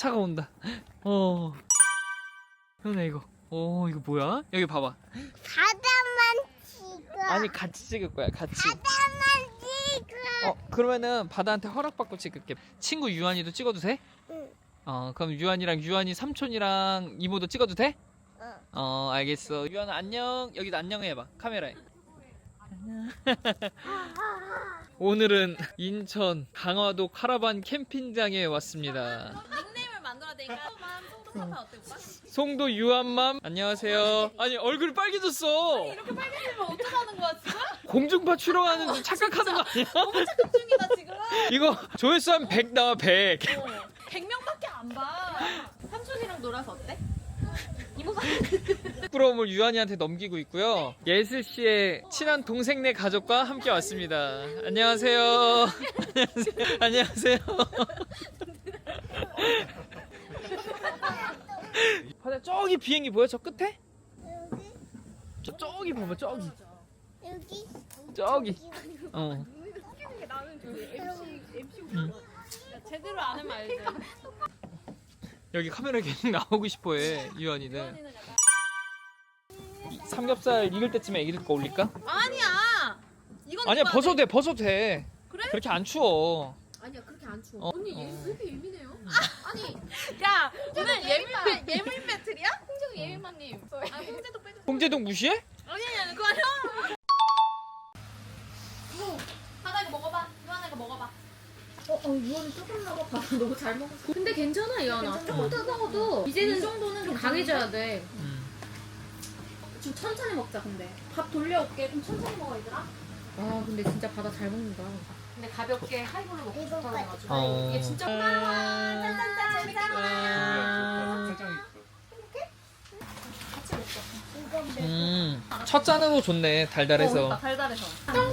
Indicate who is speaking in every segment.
Speaker 1: 차가 온다. 현아 이거. 이거 뭐야? 여기 봐봐.
Speaker 2: 바다만 찍어.
Speaker 1: 아니 같이 찍을 거야. 같이.
Speaker 2: 바다만 찍어.
Speaker 1: 그러면은 바다한테 허락받고 찍을게. 친구 유한이도 찍어도 돼?
Speaker 2: 응.
Speaker 1: 그럼 유한이랑 유한이 삼촌이랑 이모도 찍어도 돼?
Speaker 2: 어.
Speaker 1: 알겠어. 유한아 안녕. 여기도 안녕 해봐. 카메라에. 안녕. 오늘은 인천 강화도 카라반 캠핑장에 왔습니다.
Speaker 3: 닉네임을 만들어야 되니까 송도 카페 어때 오빠?
Speaker 1: 송도 유한맘 안녕하세요. 아니 얼굴이 빨개졌어.
Speaker 3: 이렇게 빨개지면 어쩌자는 거야 지금?
Speaker 1: 공중파 출연하는 줄 착각하는 거 아니야?
Speaker 3: 너무 착각 중이다 지금.
Speaker 1: 이거 조회수 한 100 나와 100.
Speaker 3: 100명밖에 안 봐. 삼촌이랑 놀아서 어때? 이모가
Speaker 1: 부러움을 유한이한테 넘기고 있고요. 예슬 씨의 친한 동생네 가족과 함께 왔습니다. 안녕하세요. 안녕하세요. 안녕하세요. 바다 저기 비행기 보여? 저 끝에?
Speaker 2: 여기.
Speaker 1: 저기 봐봐 저기.
Speaker 2: 여기.
Speaker 1: 저기.
Speaker 3: 제대로 안 하면 알지.
Speaker 1: 여기 카메라 계속 나오고 싶어해 유한이는.
Speaker 3: 유한이는 약간
Speaker 1: 삼겹살 익을 때쯤에 애기들 거 올릴까?
Speaker 3: 아니야. 이건
Speaker 1: 아니야
Speaker 3: 입어야
Speaker 1: 벗어도
Speaker 3: 돼.
Speaker 1: 돼 벗어도 돼.
Speaker 3: 그래?
Speaker 1: 그렇게 안 추워.
Speaker 3: 아니야 그렇게 안 추워.
Speaker 1: 어.
Speaker 3: 언니 얘 왜 이렇게 예민해요? 아니 야 오늘 예민 배틀이야? 홍재도 예민맘님. 아 홍재도 빼줘.
Speaker 1: 홍제동 무시해?
Speaker 3: 아니 그거 아니야. 하나 이거 먹어봐. 유한아 이거 먹어봐.
Speaker 4: 유언이 조금 먹어봐. 너무 잘 먹었어. 근데 괜찮아, 이현아. 조금 뜨거워도 이제는 이 정도는 좀 강해져야 돼. 좀 천천히 먹자, 근데. 밥 돌려올게. 좀 천천히 먹어, 얘들아. 아, 근데 진짜 바다 잘 먹는다. 근데 가볍게 하이볼로 먹고
Speaker 2: 이거
Speaker 4: 싶다 해가지고.
Speaker 1: 어.
Speaker 4: 이게 진짜
Speaker 1: 첫 잔으로 좋네 달달해서.
Speaker 4: 그러니까 달달해서.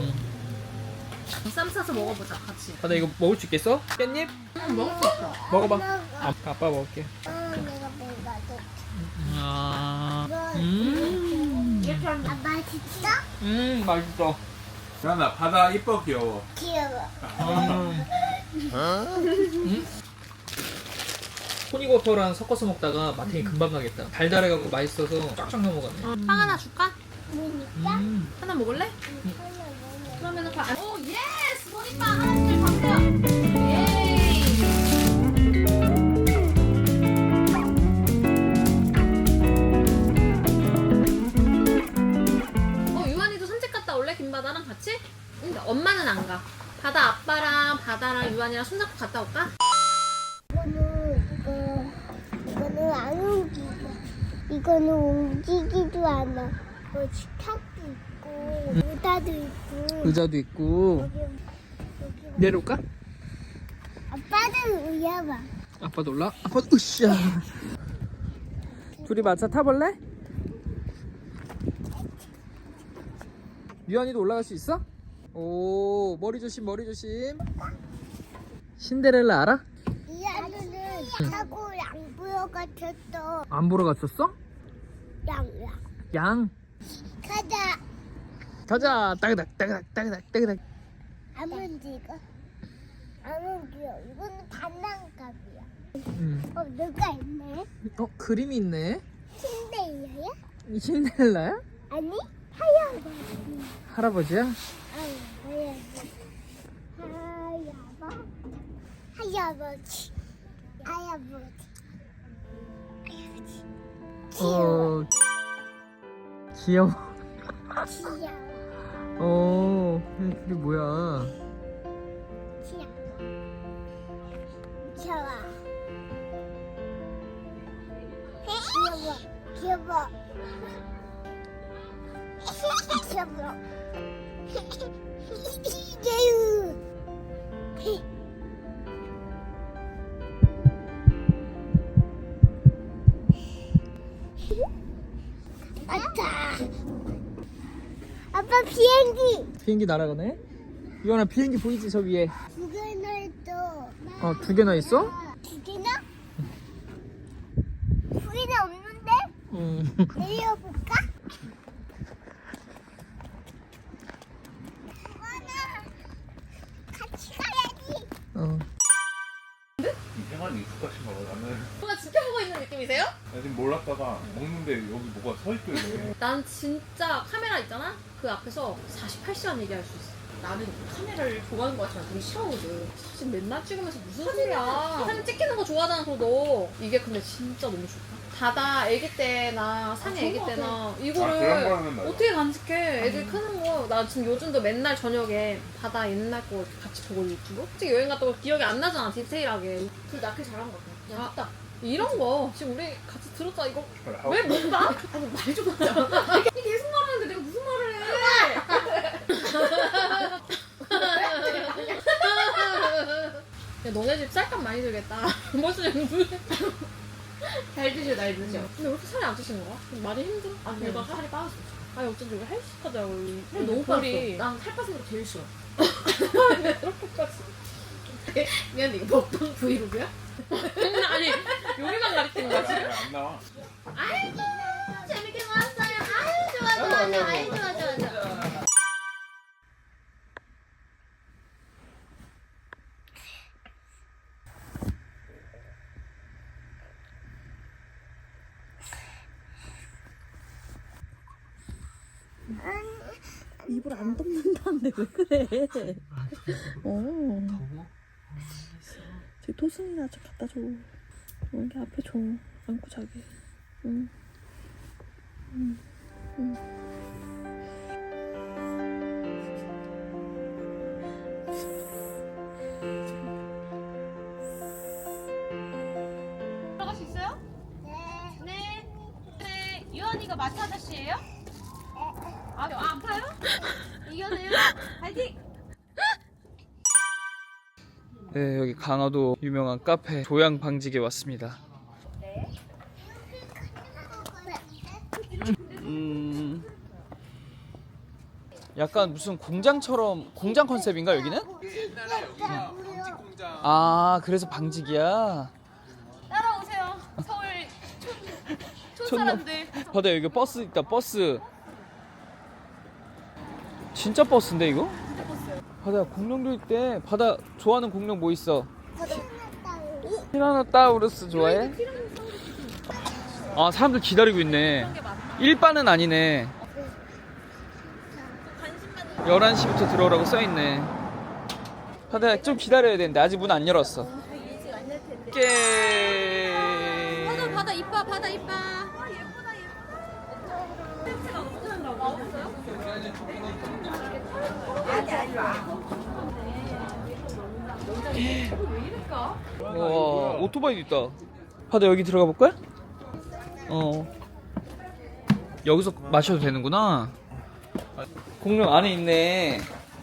Speaker 4: 쌈 싸서 먹어보자, 같이.
Speaker 1: 나 이거 먹을 수 있겠어? 깻잎?
Speaker 4: 먹을 수 있어.
Speaker 1: 먹어봐.
Speaker 2: 먹어.
Speaker 1: 아빠 먹을게.
Speaker 2: 내가 먹어도.
Speaker 4: 이렇게 하면
Speaker 2: 아 맛있어?
Speaker 1: 맛있어.
Speaker 5: 유한아 바다 이뻐 귀여워.
Speaker 2: 귀여워.
Speaker 1: 토니버터랑 섞어서 먹다가 마탱이 금방 가겠다. 달달해갖고 맛있어서 쫙쫙 넘어가네.
Speaker 4: 빵 하나 줄까?
Speaker 2: 뭐니까?
Speaker 4: 하나 먹을래?
Speaker 2: 하나
Speaker 4: 그러면은 오, 예스! 보니빵 하나씩 받으세요. 예이! 유한이도 산책 갔다 올래? 김바다랑 같이? 응, 엄마는 안 가. 바다 아빠랑 바다랑 유한이랑 손잡고 갔다 올까?
Speaker 2: 이거는 안 움직여. 이거는 움직이지도 않아. 식탁도 있고, 의자도 있고.
Speaker 1: 의자도 있고.
Speaker 2: 여기
Speaker 1: 내려올까?
Speaker 2: 아빠는 의자봐.
Speaker 1: 아빠 놀라? 아빠 으쌰. 둘이 마차 타볼래? 유한이도 올라갈 수 있어? 오 머리 조심 머리 조심. 신데렐라 알아?
Speaker 2: 이 안에는 타고 양보여 같았어.
Speaker 1: 안 보러 갔었어?
Speaker 2: 양양.
Speaker 1: 양.
Speaker 2: 가자.
Speaker 1: 가자. 따그닥 따그닥 따그닥 따그닥.
Speaker 2: 안 움직여. 안 움직여. 이거는 단란갑이야. 누가 있네?
Speaker 1: 그림이 있네.
Speaker 2: 신데이야야?
Speaker 1: 이 신데렐라야?
Speaker 2: 아니, 할아버지.
Speaker 1: 할아버지야?
Speaker 2: 할아버지. 할아버지. 할아버지.
Speaker 1: 어 귀여워.
Speaker 2: 귀여워.
Speaker 1: 이게 뭐야?
Speaker 2: 귀여워. 귀여워. 귀여워. 귀여워. 귀여워. 맞다. 아빠 비행기.
Speaker 1: 비행기 날아가네? 유한아 비행기 보이지 저 위에?
Speaker 2: 두 개나 있어.
Speaker 1: 2개나 있어?
Speaker 2: 두 개나? 두 개나 없는데? 내려볼까? 엄마나 같이 가야지.
Speaker 5: 생활이 익숙하신 거라면
Speaker 4: 중이세요?
Speaker 5: 나 지금 몰랐다가 먹는데 여기 뭐가 서 있길래.
Speaker 4: 난 진짜 카메라 있잖아? 그 앞에서 48시간 얘기할 수 있어. 나는 카메라를 좋아하는 거 같지만 되게 싫어하거든. 사진 맨날 찍으면서 무슨 소리야. 사진 찍히는 거 좋아하잖아, 너. 이게 근데 진짜 너무 좋다. 바다 애기 때나 산에 애기 때나
Speaker 5: 그런
Speaker 4: 이거를
Speaker 5: 거는 나도.
Speaker 4: 어떻게 간직해. 애들 크는 거. 나 지금 요즘도 맨날 저녁에 바다 옛날 거 이렇게 같이 보고 유튜브? 솔직히 여행 갔다 고 기억이 안 나잖아, 디테일하게. 그 낚시 잘한 거 같아. 야, 딱 이런 거 지금 우리 같이 들었자 이거 왜 못 봐? 아니 말 좀 하자. 이 계속 말하는데 내가 무슨 말을 해? 야 너네 집 쌀값 많이 들겠다. 벌써 잘 드셔 날 드셔. 근데 왜 이렇게 살이 안 찌시는 거야? 많이 힘들어? 아 내가 살이 빠졌어. 아니 어쩐지 우리 헬스하자고. 너무 빠졌어. 난 살 빠진 거 제일 싫어. 그렇게까지. 미안해 이거 먹방 브이로그야? 아니 요리만 가르치는 거지?
Speaker 5: 안 나와.
Speaker 2: 아이고 재밌게 놀았어요. 아유 좋아 좋아 좋아. 아유 좋아 좋아 좋아.
Speaker 6: 입을 안 덮는다는데 왜 그래?
Speaker 1: 더워?
Speaker 6: 제 토순이나 좀 갖다 줘. 여기 앞에 줘. 안고 자게. 응.
Speaker 3: 들어갈 수 있어요? 네. 네. 유한이가 마트 아저씨예요? 아파요? 이겨내요? 파이팅!
Speaker 1: 네, 여기 강화도 유명한 카페 조양 방직에 왔습니다. 약간 무슨 공장처럼 공장 컨셉인가 여기는?
Speaker 5: 옛날에 여기가 방직 공장.
Speaker 1: 아, 그래서 방직이야.
Speaker 3: 따라오세요. 서울 촌 사람들.
Speaker 1: 바다 여기 버스 있다. 버스. 진짜 버스인데 이거?
Speaker 3: 진짜 버스요.
Speaker 1: 바다 공룡도 있대. 바다 좋아하는 공룡 뭐 있어? 티라노사우루스 좋아해? 아, 사람들 기다리고 있네. 일반은 아니네. 11시부터 들어오라고 써있네. 바다야 좀 기다려야 되는데 아직 문 안 열었어. 깨.
Speaker 4: 바다 이뻐 바다 이뻐.
Speaker 1: 와, 오토바이도 있다. 바다 여기 들어가 볼 거야? 여기서 마셔도 되는구나. 공룡 안에 있네.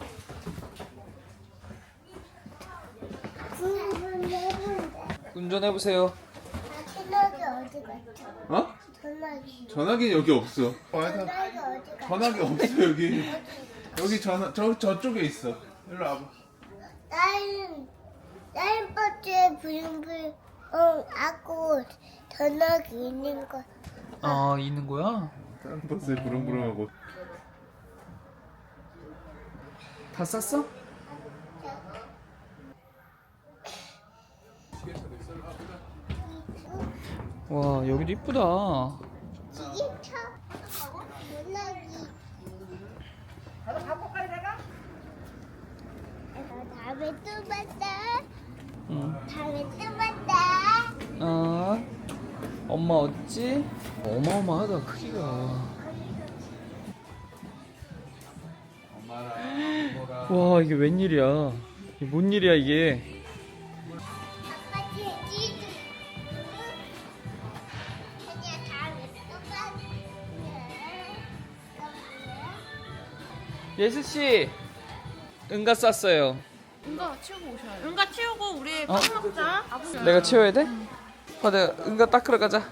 Speaker 1: 운전해 보세요.
Speaker 2: 전화기 어디 갔죠?
Speaker 5: 어?
Speaker 2: 전화기.
Speaker 5: 전화기 여기 없어.
Speaker 2: 전화기 어디 갔죠?
Speaker 5: 전화기 없어 여기. 여기 전화 저쪽에 있어. 일로 와봐.
Speaker 2: 다른 버스에 불불 하고 전화기 있는 거.
Speaker 1: 아, 있는 거야?
Speaker 5: 다른 버스에 부릉부릉하고.
Speaker 1: 다 쌌어? 와, 여기도 이쁘다.
Speaker 2: 지게차. 전화기. 다음에 또 봤다.
Speaker 1: 응.
Speaker 2: 다음에 또 봤다.
Speaker 1: 엄마 어딨지? 어마어마하다, 크기가.
Speaker 5: 엄마랑 이모랑.
Speaker 1: 와, 이게 웬일이야. 이게 뭔 일이야, 이게.
Speaker 2: 아빠 돼지도. 아니야 다음에 또 봤다.
Speaker 1: 예수씨, 응가 쌌어요.
Speaker 3: 응가 치우고 오셔야 돼. 응가 치우고 우리
Speaker 1: 어?
Speaker 3: 밥 먹자.
Speaker 1: 내가 치워야 돼? 바다 응가 닦으러 가자.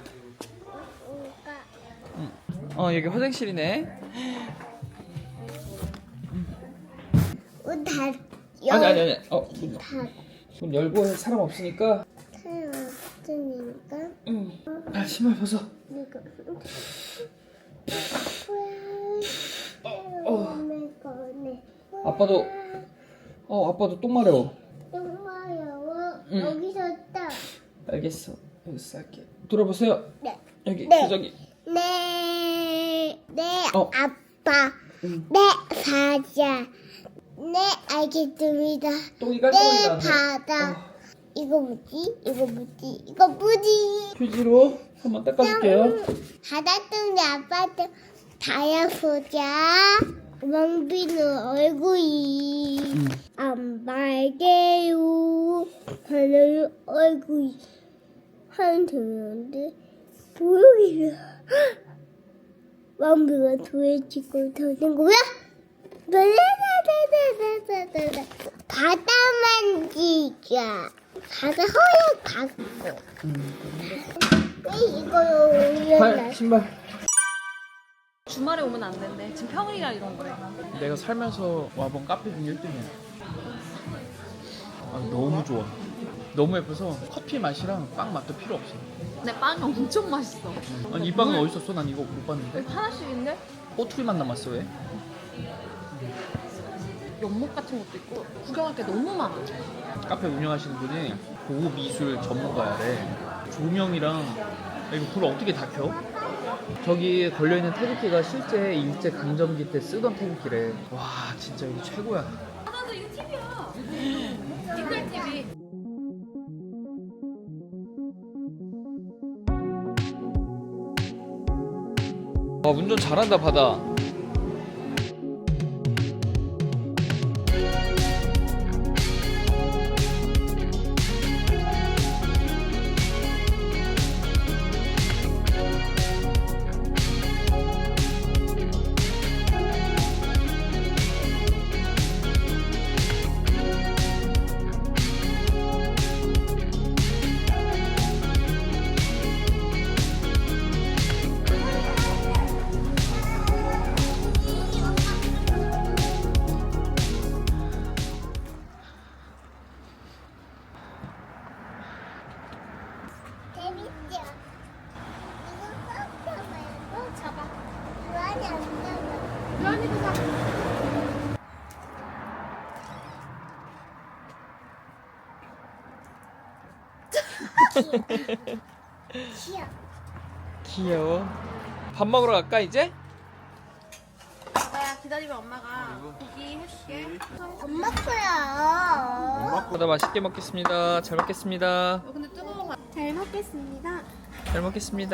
Speaker 1: 여기 화장실이네. 아니. 문 열고 해. 사람 없으니까.
Speaker 2: 없으니까
Speaker 1: 아, 신발 벗어.
Speaker 2: 이거
Speaker 1: 아빠도 똥 마려워.
Speaker 2: 똥 마려워.
Speaker 1: 응.
Speaker 2: 여기서 딱
Speaker 1: 알겠어. 여기 쌀게. 돌아보세요.
Speaker 2: 네.
Speaker 1: 여기
Speaker 2: 네.
Speaker 1: 기저귀.
Speaker 2: 네
Speaker 1: 어.
Speaker 2: 아빠, 네 사자, 네 알겠습니다.
Speaker 1: 똥이
Speaker 2: 네
Speaker 1: 깔끔하게 나왔네.
Speaker 2: 바다. 이거 뭐지? 이거 뭐지? 이거 뭐지?
Speaker 1: 휴지로 한번 닦아줄게요.
Speaker 2: 바다뚱이 아빠도 다야보자. 왕비는 얼굴이 안 빨개요. 하늘 얼굴이 하얀데 보여요. 왕비가 돌에 치고 도는 거야? 라라라라라라라. 바다 만지자. 바다 허약 갖고. 이거 올려놔.
Speaker 1: 신발.
Speaker 4: 주말에 오면 안 된대. 지금 평일이라 이런 거래.
Speaker 5: 내가 살면서 와본 카페 중 1등이야. 아, 너무 좋아. 너무 예뻐서 커피 맛이랑 빵 맛도 필요 없어.
Speaker 4: 근데 빵이 엄청 맛있어.
Speaker 5: 아니 이 빵은 어디 있었어? 난 이거 못 봤는데.
Speaker 4: 하나씩인데?
Speaker 5: 꼬투리만 남았어 왜?
Speaker 4: 연못 같은 것도 있고 구경할 게 너무 많아.
Speaker 5: 카페 운영하시는 분이 고급 미술 전문가야래. 조명이랑 이거 불 어떻게 다 켜? 저기 걸려있는 태극기가 실제 일제 강점기 때 쓰던 태극기래. 와 진짜 이거 최고야.
Speaker 4: 나도 이거 TV야. 뒷날 TV.
Speaker 1: 운전 잘한다 바다.
Speaker 2: 재밌죠? 이거 쏙 잡아요. 잡아. 유한이 안 잡아. 유한이도 잡아. 귀여워.
Speaker 1: 귀여워. 밥 먹으러 갈까 이제?
Speaker 3: 아빠야 기다리면 엄마가 고기 해줄게.
Speaker 2: 엄마 거야.
Speaker 1: 바다 맛있게 먹겠습니다. 잘 먹겠습니다.
Speaker 3: 근데 뜨거워.
Speaker 2: 잘 먹겠습니다.
Speaker 1: 잘 먹겠습니다.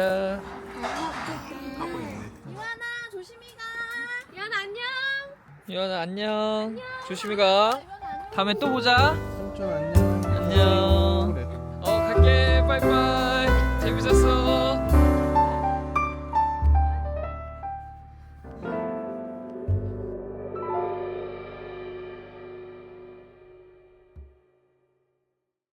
Speaker 3: 유한아 조심히 가. 유한 안녕.
Speaker 1: 유연아 안녕. 조심히 가. 다음에 또 보자.
Speaker 5: 삼촌 안녕.
Speaker 1: 안녕.
Speaker 5: 그래.
Speaker 1: 갈게. 빠이빠이. 재밌었어.